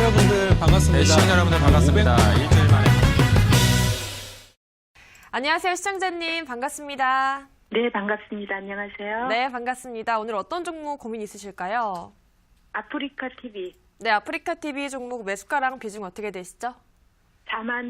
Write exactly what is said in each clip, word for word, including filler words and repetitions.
여러분들 반갑습니다. 네, 시청자 여러분들 반갑습니다. 일주일 만에. 안녕하세요, 시청자님. 반갑습니다. 네, 반갑습니다. 안녕하세요. 네, 반갑습니다. 오늘 어떤 종목 고민 있으실까요? 아프리카 티비 네, 아프리카 티비 종목 매수가랑 비중 어떻게 되시죠? 사만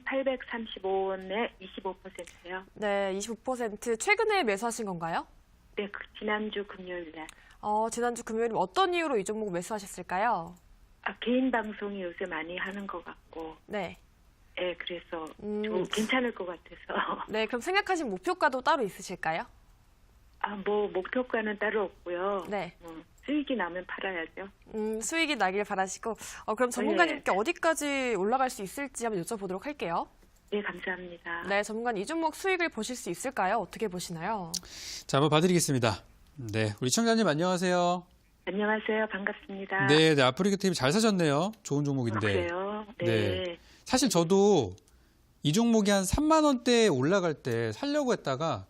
천팔백삼십오 원에 이십오 퍼센트요. 네, 이십오 퍼센트 최근에 매수하신 건가요? 네, 그 지난주 금요일 날. 어, 지난주 금요일 어떤 이유로 이 종목 매수하셨을까요? 아, 개인 방송이 요새 많이 하는 것 같고, 네. 네, 그래서 음. 좀 괜찮을 것 같아서. 네, 그럼 생각하신 목표가도 따로 있으실까요? 아, 뭐 목표가는 따로 없고요. 네. 어, 수익이 나면 팔아야죠. 음, 수익이 나길 바라시고, 어, 그럼 전문가님께 어디까지 올라갈 수 있을지 한번 여쭤보도록 할게요. 네, 감사합니다. 네, 전문가님 이 종목 수익을 보실 수 있을까요? 어떻게 보시나요? 자, 한번 봐드리겠습니다. 네, 우리 시청자님 안녕하세요. 안녕하세요. 반갑습니다. 네, 네, 아프리카 티비 잘 사셨네요. 좋은 아, 종목인데. 그래요? 네. 네. 사실 저도 이 종목이 한 삼만 원대에 올라갈 때 살려고 했다가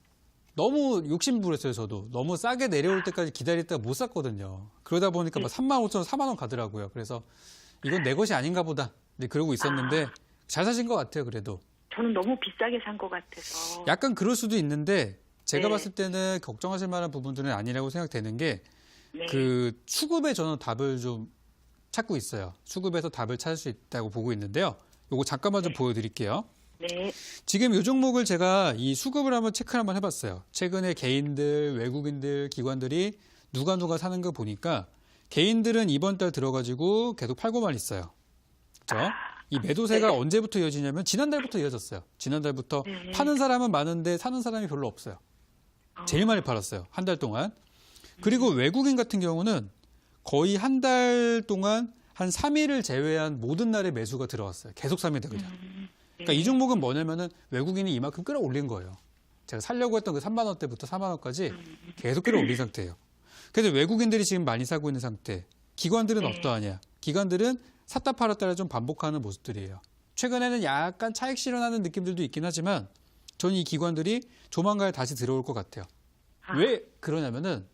너무 욕심부렸어요, 저도. 너무 싸게 내려올 때까지 기다렸다가 못 샀거든요. 그러다 보니까 막 삼만 오천 원, 사만 원 가더라고요. 그래서 이건 내 것이 아닌가 보다. 네, 그러고 있었는데 잘 사신 것 같아요, 그래도. 저는 너무 비싸게 산 것 같아서. 약간 그럴 수도 있는데 제가 네. 봤을 때는 걱정하실 만한 부분들은 아니라고 생각되는 게 네. 그 수급에 저는 답을 좀 찾고 있어요. 수급에서 답을 찾을 수 있다고 보고 있는데요. 요거 잠깐만 좀 네. 보여드릴게요. 네. 지금 이 종목을 제가 이 수급을 한번 체크를 한번 해봤어요. 최근에 개인들, 외국인들, 기관들이 누가 누가 사는 거 보니까 개인들은 이번 달 들어가지고 계속 팔고만 있어요. 그렇죠? 이 매도세가 네. 언제부터 이어지냐면 지난달부터 이어졌어요. 지난달부터 네. 파는 사람은 많은데 사는 사람이 별로 없어요. 제일 많이 팔았어요. 한 달 동안. 그리고 외국인 같은 경우는 거의 한 달 동안 한 삼 일을 제외한 모든 날에 매수가 들어왔어요. 계속 삽니다, 그냥. 그러니까 이 종목은 뭐냐면은 외국인이 이만큼 끌어올린 거예요. 제가 살려고 했던 그 삼만 원대부터 사만 원까지 계속 끌어올린 상태예요. 그래서 외국인들이 지금 많이 사고 있는 상태. 기관들은 네. 어떠하냐? 기관들은 샀다 팔았다를 좀 반복하는 모습들이에요. 최근에는 약간 차익 실현하는 느낌들도 있긴 하지만 저는 이 기관들이 조만간 다시 들어올 것 같아요. 아. 왜 그러냐면은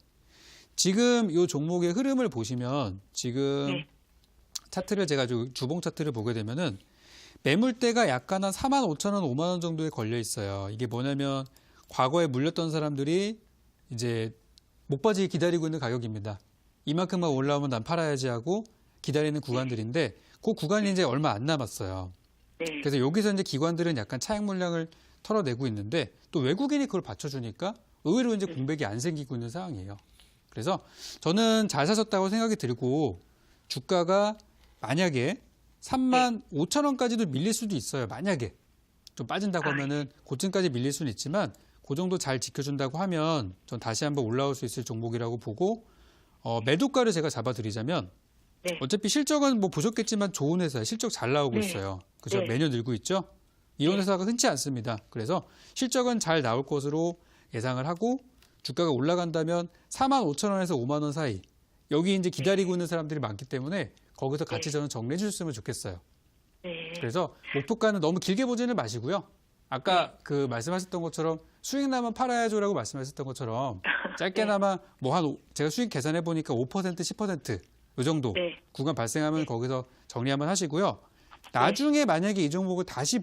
지금 이 종목의 흐름을 보시면 지금 네. 차트를 제가 주봉 차트를 보게 되면은 매물대가 약간 한 사만 오천 원, 오만 원 정도에 걸려 있어요. 이게 뭐냐면 과거에 물렸던 사람들이 이제 못 빠지게 기다리고 있는 가격입니다. 이만큼만 올라오면 난 팔아야지 하고 기다리는 구간들인데 그 구간이 이제 얼마 안 남았어요. 네. 그래서 여기서 이제 기관들은 약간 차익 물량을 털어내고 있는데 또 외국인이 그걸 받쳐주니까 의외로 이제 공백이 안 생기고 있는 상황이에요. 그래서 저는 잘 사셨다고 생각이 들고 주가가 만약에 삼만 오천 원까지도 밀릴 수도 있어요. 만약에 좀 빠진다고 하면은 고점까지 밀릴 수는 있지만 그 정도 잘 지켜준다고 하면 전 다시 한번 올라올 수 있을 종목이라고 보고 어, 매도가를 제가 잡아드리자면 네. 어차피 실적은 뭐 보셨겠지만 좋은 회사에 실적 잘 나오고 네. 있어요. 그죠? 네. 매년 늘고 있죠. 이런 네. 회사가 흔치 않습니다. 그래서 실적은 잘 나올 것으로 예상을 하고 주가가 올라간다면 사만 오천 원에서 오만 원 사이 여기 이제 기다리고 있는 사람들이 많기 때문에 거기서 같이 저는 정리해 주셨으면 좋겠어요. 네. 그래서 목표가는 너무 길게 보지는 마시고요. 아까 그 말씀하셨던 것처럼 수익 나면 팔아야죠라고 말씀하셨던 것처럼 짧게나마 뭐 한 제가 수익 계산해 보니까 오 퍼센트, 십 퍼센트 이 정도 네. 구간 발생하면 거기서 정리 한번 하시고요. 나중에 만약에 이 종목을 다시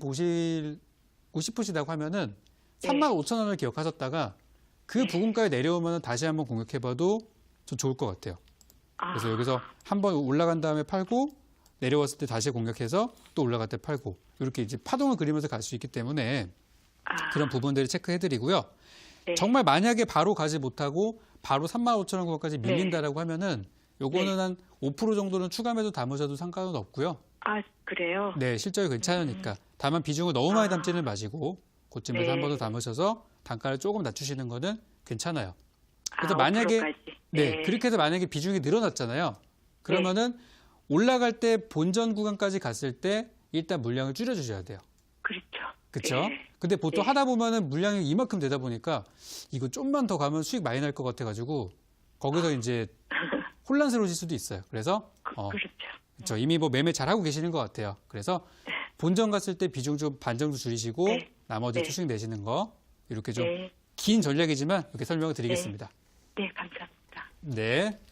보시고 싶으시다고 하면은 삼만 오천 원을 기억하셨다가 그 부근가에 내려오면 다시 한번 공격해봐도 좀 좋을 것 같아요. 그래서 여기서 한번 올라간 다음에 팔고 내려왔을 때 다시 공격해서 또 올라갈 때 팔고 이렇게 이제 파동을 그리면서 갈 수 있기 때문에 아. 그런 부분들을 체크해드리고요. 네. 정말 만약에 바로 가지 못하고 바로 삼만 오천 원 구간까지 밀린다라고 하면은 요거는 네. 한 오 퍼센트 정도는 추가 매도 담으셔도 상관은 없고요. 아, 그래요? 네, 실적이 괜찮으니까. 다만 비중을 너무 많이 아. 담지는 마시고 고점에서 네. 한 번 더 담으셔서 단가를 조금 낮추시는 거는 괜찮아요. 그래서 아, 만약에 오 퍼센트까지. 네, 네. 그렇게 해서 만약에 비중이 늘어났잖아요. 그러면은 올라갈 때 본전 구간까지 갔을 때 일단 물량을 줄여주셔야 돼요. 그렇죠. 그렇죠? 네. 근데 보통 네. 하다 보면은 물량이 이만큼 되다 보니까 이거 좀만 더 가면 수익 많이 날 것 같아가지고 거기서 이제 혼란스러워질 수도 있어요. 그래서 어, 그렇죠. 그렇죠. 이미 뭐 매매 잘하고 계시는 것 같아요. 그래서 본전 갔을 때 비중 좀 반 정도 줄이시고 네. 나머지 네. 수익 내시는 거 이렇게 좀 네. 긴 전략이지만 이렇게 설명을 드리겠습니다. 네, 감사합니다. 네.